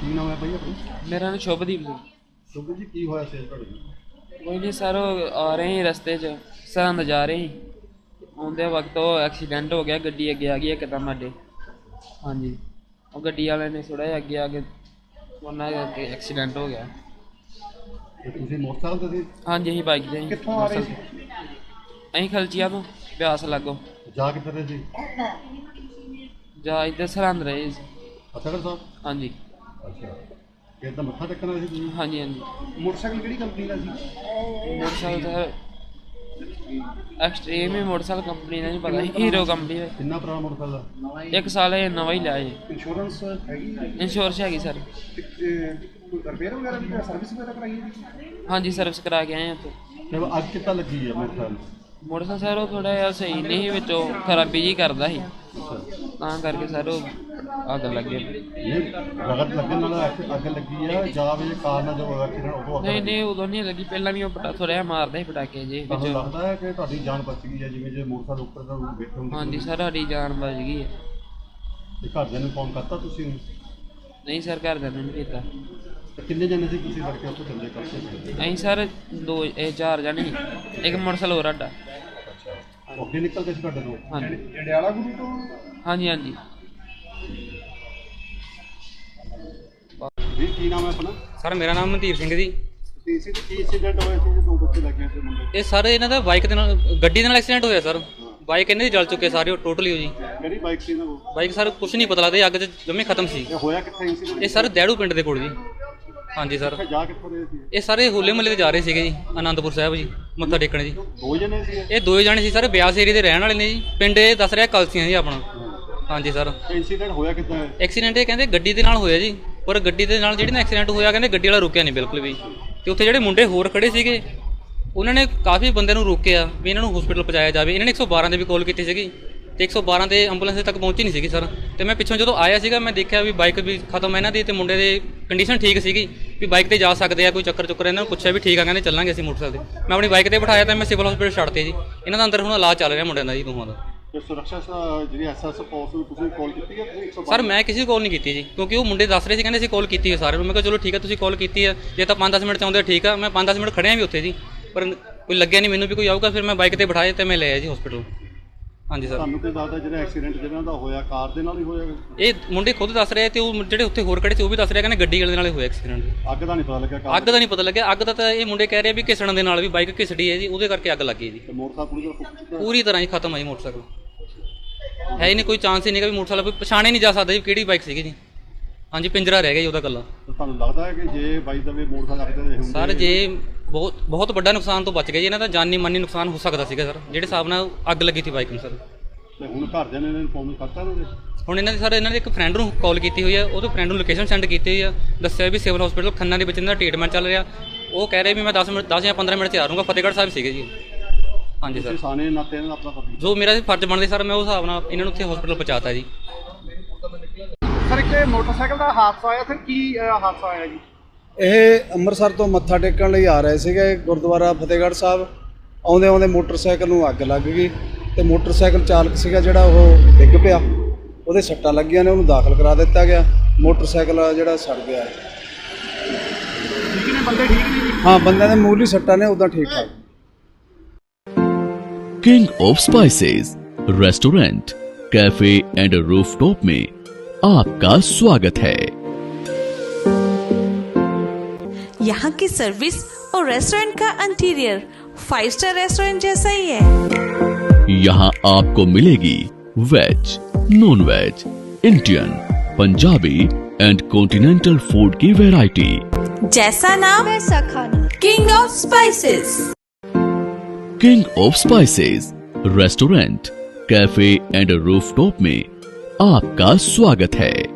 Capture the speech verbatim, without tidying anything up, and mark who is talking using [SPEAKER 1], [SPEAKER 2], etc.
[SPEAKER 1] ਕੀ ਨਾਮ ਹੈ ਭਾਈ ਆਪਣਾ?
[SPEAKER 2] ਮੇਰਾ ਨਾਮ ਸ਼ੁਭਦੀਪ ਜੀ।
[SPEAKER 1] ਸ਼ੁਭ ਜੀ, ਕੀ ਹੋਇਆ ਸੀ ਤੁਹਾਡੇ ਨਾਲ?
[SPEAKER 2] ਕੋਈ ਨਹੀਂ ਸਰ, ਉਹ ਆ ਰਹੇ ਸੀ ਰਸਤੇ 'ਚ, ਸਰਹੰਦ ਜਾ ਰਹੇ ਸੀ, ਆਉਂਦੇ ਵਕਤ ਉਹ ਐਕਸੀਡੈਂਟ ਹੋ ਗਿਆ, ਗੱਡੀ ਅੱਗੇ ਆ ਗਈ ਇੱਕਦਮ ਸਾਡੇ। ਹਾਂਜੀ, ਉਹ ਗੱਡੀ ਵਾਲੇ ਨੇ ਥੋੜ੍ਹਾ ਜਿਹਾ ਅੱਗੇ ਆ ਕੇ ਉਹਨਾਂ ਕਰਕੇ ਐਕਸੀਡੈਂਟ ਹੋ ਗਿਆ।
[SPEAKER 1] ਤੇ ਤੁਸੀਂ ਮੋਟਰਸਾਈਕਲ ਤੇ ਸੀ?
[SPEAKER 2] ਹਾਂਜੀ, ਅਸੀਂ ਬਾਈਕ 'ਤੇ ਸੀ।
[SPEAKER 1] ਕਿੱਥੋਂ ਆ ਰਹੇ ਸੀ?
[SPEAKER 2] ਅਸੀਂ ਖਲਚੀਆਂ ਤੋਂ ਬਿਆਸ ਲਾਗੋਂ।
[SPEAKER 1] ਜਾ ਕਿੱਥੇ ਰਹੇ ਸੀ?
[SPEAKER 2] ਜਾ ਇੱਧਰ ਸਰਹੰਦ ਰਹੇ ਸੀ।
[SPEAKER 1] ਫਤਿਹਗੜ੍ਹ ਸਾਹਿਬ?
[SPEAKER 2] ਹਾਂਜੀ।
[SPEAKER 1] ਅੱਛਾ, ਫਿਰ ਤਾਂ ਮੱਥਾ ਟੇਕਣ ਆਏ ਸੀ ਤੁਸੀਂ?
[SPEAKER 2] ਹਾਂਜੀ ਹਾਂਜੀ।
[SPEAKER 1] ਮੋਟਰਸਾਈਕਲ ਕਿਹੜੀ ਕੰਪਨੀ ਦਾ ਸੀ?
[SPEAKER 2] ਮੋਟਰਸਾਈਕਲ ਸਰ ਐਕਸਟ੍ਰੀਮ ਹੀ ਮੋਟਰਸਾਈਕਲ ਕੰਪਨੀ ਦਾ ਨਹੀਂ ਪਤਾ, ਹੀਰੋ ਕੰਪਨੀ ਦਾ।
[SPEAKER 1] ਕਿੰਨਾ ਪੁਰਾਣਾ ਮੋਟਰਸਾਈਕਲ?
[SPEAKER 2] ਇੱਕ ਸਾਲ ਇਹ ਨਵਾਂ ਹੀ ਲਿਆ ਜੀ।
[SPEAKER 1] ਇੰਸ਼ੋਰੈਂਸ ਹੈਗੀ?
[SPEAKER 2] ਇੰਸ਼ੋਰੈਂਸ ਹੈਗੀ ਸਰ।
[SPEAKER 1] ਕੋਈ ਰਿਪੇਅਰ ਵਗੈਰਾ ਵੀ ਸਰਵਿਸ ਵਗੈਰਾ ਕਰਾਈ ਹੈ?
[SPEAKER 2] ਹਾਂਜੀ, ਸਰਵਿਸ ਕਰਾ ਕੇ ਆਏ ਹਾਂ ਉੱਥੇ।
[SPEAKER 1] ਤੇ ਅੱਗ ਕਿੱਦਾਂ ਲੱਗੀ ਹੈ ਮੋਟਰਸਾਈਕਲ?
[SPEAKER 2] ਮੋਟਰਸਾਈਕਲ ਸਰ ਉਹ ਥੋੜ੍ਹਾ ਜਿਹਾ ਸਹੀ ਨਹੀਂ ਸੀ, ਵਿੱਚੋਂ ਖਰਾਬੀ ਜਿਹੀ ਕਰਦਾ ਸੀ, ਤਾਂ ਕਰਕੇ ਸਰ ਉਹ ਅੱਗ ਲੱਗੇ।
[SPEAKER 1] ਇਹ ਰਗਤ ਲੱਗਣ ਨਾਲ ਅੱਗ ਲੱਗੀ ਆ ਜਾਂ ਵੀ ਕਾਰਨ ਜੋ ਐਕਸੀਡੈਂਟ ਉਦੋਂ ਅੱਗ?
[SPEAKER 2] ਨਹੀਂ ਨਹੀਂ, ਉਦੋਂ ਨਹੀਂ ਲੱਗੀ, ਪਹਿਲਾਂ ਵੀ ਉਹ ਪਟਾ ਥੋੜ੍ਹਾ ਜਿਹਾ ਮਾਰਦਾ ਸੀ ਪਟਾਕੇ ਜੇ
[SPEAKER 1] ਤੁਹਾਨੂੰ
[SPEAKER 2] ਵਿੱਚ।
[SPEAKER 1] ਲੱਗਦਾ ਹੈ ਕਿ ਤੁਹਾਡੀ ਜਾਨ ਬਚ ਗਈ ਹੈ ਜਿਵੇਂ ਜੇ ਮੋਟਰਸਾਈਕਲ ਉੱਪਰ ਦਾ ਬੈਠੇ ਹੁੰਦੇ?
[SPEAKER 2] ਹਾਂਜੀ ਸਰ, ਸਾਡੀ ਜਾਨ ਬਚ ਗਈ ਹੈ।
[SPEAKER 1] ਤੇ ਘਰਦਿਆਂ ਨੂੰ ਫੋਨ ਕਰਤਾ ਤੁਸੀਂ?
[SPEAKER 2] ਨਹੀਂ ਸਰ, ਘਰਦਿਆਂ ਨੇ ਨਹੀਂ ਕੀਤਾ।
[SPEAKER 1] ਤੇ ਕਿੰਨੇ ਜਣੇ ਸੀ ਤੁਸੀਂ ਲੜਕੇ ਉੱਥੇ ਚੱਲੇ ਕਰਦੇ?
[SPEAKER 2] ਅਸੀਂ ਸਰ ਦੋ ਇਹ ਚਾਰ ਜਣੇ ਸੀ, ਇੱਕ ਮੋਟਰਸਾਈਕਲ ਹੋਰ ਸਾਡਾ।
[SPEAKER 1] ਅੱਛਾ, ਅੱਗੇ ਨਿਕਲ ਗਏ ਸੀ ਤੁਹਾਡੇ ਤੋਂ?
[SPEAKER 2] ਹਾਂਜੀ।
[SPEAKER 1] ਜੰਡਿਆਲਾ ਗੁਰੂ ਤੋਂ? ਹਾਂਜੀ
[SPEAKER 2] ਹਾਂਜੀ।
[SPEAKER 1] ਵੀ ਕੀ ਨਾਮ ਹੈ ਆਪਣਾ?
[SPEAKER 3] ਸਰ ਮੇਰਾ ਨਾਮ ਮਨਦੀਪ ਸਿੰਘ ਜੀ।
[SPEAKER 1] ਤੇ ਇਸੇ ਕੀ ਇੰਸੀਡੈਂਟ ਹੋਇਆ ਸੀ ਜੋ ਦੋ ਬੱਚੇ ਲੱਗੇ ਸੀ ਮੁੰਡੇ?
[SPEAKER 3] ਇਹ ਸਰ ਇਹਨਾਂ ਦਾ ਬਾਈਕ ਦੇ ਨਾਲ ਗੱਡੀ ਦੇ ਨਾਲ ਐਕਸੀਡੈਂਟ ਹੋਇਆ ਸਰ। ਬਾਈਕ ਇਹਨਾਂ ਦੀ ਜਲ ਚੁੱਕੇ ਸਾਰੇ ਟੋਟਲੀ ਹੋ ਜੀ।
[SPEAKER 1] ਕਿਹੜੀ ਬਾਈਕ ਸੀ ਨਾ ਉਹ?
[SPEAKER 3] ਬਾਈਕ ਸਰ ਕੁਛ ਨਹੀਂ ਪਤਾ ਲੱਗਦਾ, ਅੱਗ 'ਚ ਜੰਮੇ ਖਤਮ ਸੀ।
[SPEAKER 1] ਇਹ ਹੋਇਆ ਕਿੱਥੇ ਇੰਸੀਡੈਂਟ?
[SPEAKER 3] ਇਹ ਸਰ ਦੈੜੂ ਪਿੰਡ ਦੇ ਕੋਲ ਜੀ। ਹਾਂਜੀ ਸਰ।
[SPEAKER 1] ਜਾ ਕਿੱਥੋਂ ਰਹੇ ਸੀ?
[SPEAKER 3] ਇਹ ਸਾਰੇ ਹੋਲੇ ਮਹੱਲੇ ਤੇ ਜਾ ਰਹੇ ਸੀਗੇ ਜੀ, ਆਨੰਦਪੁਰ ਸਾਹਿਬ ਜੀ, ਮੱਥਾ ਟੇਕਣ ਜੀ।
[SPEAKER 1] ਦੋ ਜਣੇ ਸੀ
[SPEAKER 3] ਇਹ ਦੋਏ ਜਾਣੇ ਸੀ ਸਰ, ਬਿਆਸ ਏਰੀਏ ਦੇ ਰਹਿਣ ਵਾਲੇ ਨੇ ਜੀ। ਪਿੰਡ ਇਹ ਦੱਸ ਰਿਹਾ ਕਲਸੀਆਂ ਜੀ ਆਪਣਾ। ਹਾਂਜੀ ਸਰ।
[SPEAKER 1] ਇੰਸੀਡੈਂਟ ਹੋਇਆ ਕਿੱਦਾਂ ਹੈ?
[SPEAKER 3] ਐਕਸੀਡੈਂਟ ਇਹ ਕਹਿੰਦੇ ਗੱਡੀ ਦੇ ਨਾਲ ਹੋਇਆ ਜੀ, ਪਰ ਗੱਡੀ ਦੇ ਨਾਲ ਜਿਹੜੀ ਨਾ ਐਕਸੀਡੈਂਟ ਹੋਇਆ ਕਹਿੰਦੇ ਗੱਡੀ ਵਾਲਾ ਰੁਕਿਆ ਨਹੀਂ ਬਿਲਕੁਲ ਵੀ। ਤੇ ਉੱਥੇ ਜਿਹੜੇ ਮੁੰਡੇ ਹੋਰ ਖੜੇ ਸੀਗੇ ਉਹਨਾਂ ਨੇ ਕਾਫੀ ਬੰਦਿਆਂ ਨੂੰ ਰੋਕਿਆ ਵੀ ਇਹਨਾਂ ਨੂੰ ਹਸਪੀਟਲ ਪਹੁੰਚਾਇਆ ਜਾਵੇ। ਇਹਨਾਂ ਨੇ ਇੱਕ ਸੌ ਬਾਰਾਂ ਦੇ ਵੀ ਕਾਲ ਕੀਤੀ ਸੀਗੀ ਤੇ ਇੱਕ ਸੌ ਬਾਰਾਂ ਤੇ ਐਂਬੂਲੈਂਸ ਤੱਕ ਪਹੁੰਚੀ ਨਹੀਂ ਸੀਗੀ ਸਰ। ਤੇ ਮੈਂ ਪਿੱਛੋਂ ਜਦੋਂ ਆਇਆ ਸੀਗਾ ਮੈਂ ਦੇਖਿਆ ਵੀ ਬਾਈਕ ਵੀ ਖਤਮ ਹੈ ਇਹਨਾਂ ਦੀ ਤੇ ਮੁੰਡੇ ਦੀ ਕੰਡੀਸ਼ਨ ਠੀਕ ਸੀਗੀ ਵੀ ਬਾਈਕ ਤੇ ਜਾ ਸਕਦੇ ਆ, ਕੋਈ ਚੱਕਰ ਚੁੱਕਰ। ਇਹਨਾਂ ਨੂੰ ਪੁੱਛਿਆ ਵੀ ਠੀਕ ਆ, ਕਹਿੰਦੇ ਚੱਲਾਂਗੇ ਅਸੀਂ ਮੋਟਰਸਾਈਕਲ ਤੇ। ਮੈਂ ਆਪਣੀ ਬਾਈਕ ਤੇ ਬਿਠਾਇਆ ਤਾਂ ਮੈਂ ਸਿਵਲ ਹਸਪੀਟਲ ਛੱਡਤੇ ਜੀ। ਇਹਨਾਂ ਦਾ ਅੰਦਰ ਹੁਣ ਇਲਾਜ ਚੱਲ ਰਿਹਾ ਮੁੰਡਿਆਂ ਦਾ ਜੀ, ਦੋਹਾਂ ਦਾ।
[SPEAKER 1] ਤੇ ਸੁਰੱਖਿਆ ਜਿਹੜੀ ਐਸਐਸ ਫੋਰਸ ਨੂੰ ਤੁਸੀਂ ਕਾਲ ਕੀਤੀ ਹੈ?
[SPEAKER 3] ਸਰ ਮੈਂ ਕਿਸੇ ਨੂੰ ਕਾਲ ਨਹੀਂ ਕੀਤੀ ਜੀ, ਕਿਉਂਕਿ ਉਹ ਮੁੰਡੇ ਦੱਸ ਰਹੇ ਸੀ ਕਹਿੰਦੇ ਅਸੀਂ ਕਾਲ ਕੀਤੀ ਹੈ ਸਾਰਿਆਂ ਨੂੰ। ਮੈਂ ਕਿਹਾ ਚਲੋ ਠੀਕ ਹੈ, ਤੁਸੀਂ ਕਾਲ ਕੀਤੀ ਹੈ, ਜੇ ਤਾਂ ਪੰਜ ਦਸ ਮਿੰਟ 'ਚ ਆਉਂਦੇ ਠੀਕ ਆ। ਮੈਂ ਪੰਜ ਦਸ ਮਿੰਟ ਖੜਿਆ ਵੀ ਉੱਥੇ ਜੀ, ਪਰ ਕੋਈ ਲੱਗਿਆ ਨਹੀਂ ਮੈਨੂੰ ਵੀ ਕੋਈ ਆਊਗਾ। ਫਿਰ ਮੈਂ ਬਾਈਕ ਤੇ ਬਿਠਾਇਆ ਤੇ ਮੈਂ ਲੈ ਆਇਆ ਜੀ ਹਸਪੀਟਲ। ਹਾਂਜੀ ਸਰ।
[SPEAKER 1] ਤੁਹਾਨੂੰ ਕੀ ਦੱਸਦਾ ਜਿਹੜਾ ਐਕਸੀਡੈਂਟ ਜਿਹਨਾਂ ਦਾ ਹੋਇਆ ਕਾਰ ਦੇ ਨਾਲ ਹੀ ਹੋਇਆ?
[SPEAKER 3] ਇਹ ਮੁੰਡੇ ਖੁਦ ਦੱਸ ਰਹੇ ਤੇ ਉਹ ਜਿਹੜੇ ਉੱਥੇ ਹੋਰ ਖੜੇ ਸੀ ਉਹ ਵੀ ਦੱਸ ਰਹੇ ਕਹਿੰਦੇ ਗੱਡੀ ਵਾਲੇ ਦੇ ਨਾਲ ਹੀ ਹੋਇਆ ਐਕਸੀਡੈਂਟ।
[SPEAKER 1] ਅੱਗ ਦਾ ਨਹੀਂ ਪਤਾ ਲੱਗਿਆ? ਅੱਗ
[SPEAKER 3] ਦਾ ਨਹੀਂ ਪਤਾ ਲੱਗਿਆ। ਅੱਗ ਦਾ ਤਾਂ ਇਹ ਮੁੰਡੇ ਕਹਿ ਰਹੇ ਵੀ ਘਿਸਣ ਦੇ ਨਾਲ ਵੀ ਬਾਈਕ ਘਿਸੜੀ ਹੈ ਜੀ, ਉਹਦੇ ਕਰਕੇ ਅੱਗ ਲੱਗੀ ਜੀ।
[SPEAKER 1] ਮੋਟਰਸਾਈਕਲ ਪੂਰੀ ਤਰ੍ਹਾਂ ਫੁੱਕ ਚੁੱਕਾ? ਪੂਰੀ
[SPEAKER 3] ਤਰ੍ਹਾਂ ਹੀ ਖਤਮ ਹੈ ਜੀ ਮੋਟਰਸਾਈਕਲ। ਹੈ ਹੀ ਨਹੀਂ, ਕੋਈ ਚਾਂਸ ਹੀ ਨਹੀਂ ਕਿ ਵੀ ਮੋਟਰਸਾਈਕਲ ਪਛਾਣੇ ਨਹੀਂ ਜਾ ਸਕਦਾ ਜੀ ਕਿਹੜੀ ਬਾਈਕ ਸੀਗੀ ਜੀ। ਹਾਂਜੀ, ਪਿੰਜਰਾ ਰਹਿ ਗਿਆ ਜੀ ਉਹਦਾ ਇਕੱਲਾ।
[SPEAKER 1] ਤੁਹਾਨੂੰ ਲੱਗਦਾ ਹੈ ਕਿ ਜੇ ਬਾਈ ਦਾ ਵੀ ਮੋਟਰਸਾਈਕਲ ਅੱਗ ਦੇ ਹੁੰਦੇ?
[SPEAKER 3] ਸਰ ਜੇ ਬਹੁਤ ਬਹੁਤ ਵੱਡਾ ਨੁਕਸਾਨ ਤੋਂ ਬਚ ਗਿਆ ਜੀ, ਇਹਨਾਂ ਦਾ ਜਾਨੀ ਮਾਨੀ ਨੁਕਸਾਨ ਹੋ ਸਕਦਾ ਸੀਗਾ ਸਰ, ਜਿਹੜੇ ਹਿਸਾਬ ਨਾਲ ਅੱਗ ਲੱਗੀ ਸੀ ਬਾਈਕ ਨੂੰ ਸਰ।
[SPEAKER 1] ਤੇ ਹੁਣ ਘਰਦਿਆਂ ਨੇ ਇਨਫੋਰਮ ਕਰਤਾ ਇਹਨਾਂ ਦੇ?
[SPEAKER 3] ਹੁਣ ਇਹਨਾਂ ਦੇ ਸਰ ਇਹਨਾਂ ਦੇ ਇੱਕ ਫਰੈਂਡ ਨੂੰ ਕਾਲ ਕੀਤੀ ਹੋਈ ਆ, ਉਹਦੇ ਫਰੈਂਡ ਨੂੰ ਲੋਕੇਸ਼ਨ ਸੈਂਡ ਕੀਤੀ ਹੋਈ ਆ, ਦੱਸਿਆ ਵੀ ਸਿਵਲ ਹਸਪੀਟਲ ਖੰਨਾ ਦੇ ਵਿੱਚ ਇਹਨਾਂ ਦਾ ਟ੍ਰੀਟਮੈਂਟ ਚੱਲ ਰਿਹਾ। ਉਹ ਕਹਿ ਰਹੇ ਵੀ ਮੈਂ ਦਸ ਮਿੰਟ ਦਸ ਜਾਂ ਪੰਦਰਾਂ ਮਿੰਟ 'ਚ ਆ ਜਾਊਂਗਾ। ਫਤਿਹਗੜ੍ਹ ਸਾਹਿਬ ਸੀਗੇ ਜੀ। ਹਾਂਜੀ ਸਰ।
[SPEAKER 1] ਸਾਨੇ ਨਾਤੇ ਇਹਨਾਂ ਦਾ ਆਪਣਾ ਫਰਜ਼
[SPEAKER 3] ਜੋ ਮੇਰਾ ਫਰਜ਼ ਬਣਦੇ ਸਰ, ਮੈਂ ਉਸ ਹਿਸਾਬ ਨਾਲ ਇਹਨਾਂ ਨੂੰ ਉੱਥੇ ਹਸਪੀਟਲ ਪਹੁੰਚਾਤਾ ਜੀ।
[SPEAKER 1] ਸਰ ਇੱਕ ਮੋਟਰਸਾਈਕਲ ਦਾ ਹਾਦਸਾ ਆਇਆ, ਸਰ ਕੀ ਹਾਦਸਾ ਆਇਆ ਜੀ?
[SPEAKER 4] ਇਹ ਅੰਮ੍ਰਿਤਸਰ ਤੋਂ ਮੱਥਾ ਟੇਕਣ ਲਈ ਆ ਰਹੇ ਸੀਗੇ ਗੁਰਦੁਆਰਾ ਫਤਿਹਗੜ੍ਹ ਸਾਹਿਬ। ਆਉਂਦੇ ਆਉਂਦੇ ਮੋਟਰਸਾਈਕਲ ਨੂੰ ਅੱਗ ਲੱਗ ਗਈ ਤੇ ਮੋਟਰਸਾਈਕਲ ਚਾਲਕ ਸੀਗਾ ਜਿਹੜਾ ਉਹ ਡਿੱਗ ਪਿਆ, ਉਹਦੇ ਸੱਟਾਂ ਲੱਗੀਆਂ ਨੇ, ਉਹਨੂੰ ਦਾਖਲ ਕਰਾ ਦਿੱਤਾ ਗਿਆ। ਮੋਟਰਸਾਈਕਲ ਜਿਹੜਾ ਸੜ ਗਿਆ।
[SPEAKER 1] ਠੀਕ ਨੇ ਬੰਦੇ? ਠੀਕ ਨੇ ਜੀ?
[SPEAKER 4] ਹਾਂ, ਬੰਦਿਆਂ ਦੇ ਮੂਲੀ ਸੱਟਾਂ ਨੇ, ਉਦਾਂ ਠੀਕ ਠਾਕ।
[SPEAKER 5] King of spices restaurant, cafe and rooftop में आपका स्वागत है।
[SPEAKER 6] यहाँ की सर्विस और रेस्टोरेंट का इंटीरियर फाइव स्टार रेस्टोरेंट जैसा ही है।
[SPEAKER 5] यहाँ आपको मिलेगी veg, non veg, Indian, Punjabi and continental food की वैरायटी।
[SPEAKER 6] जैसा नाम वैसा खाना। King of spices.
[SPEAKER 5] King of spices restaurant, cafe and rooftop में आपका स्वागत है।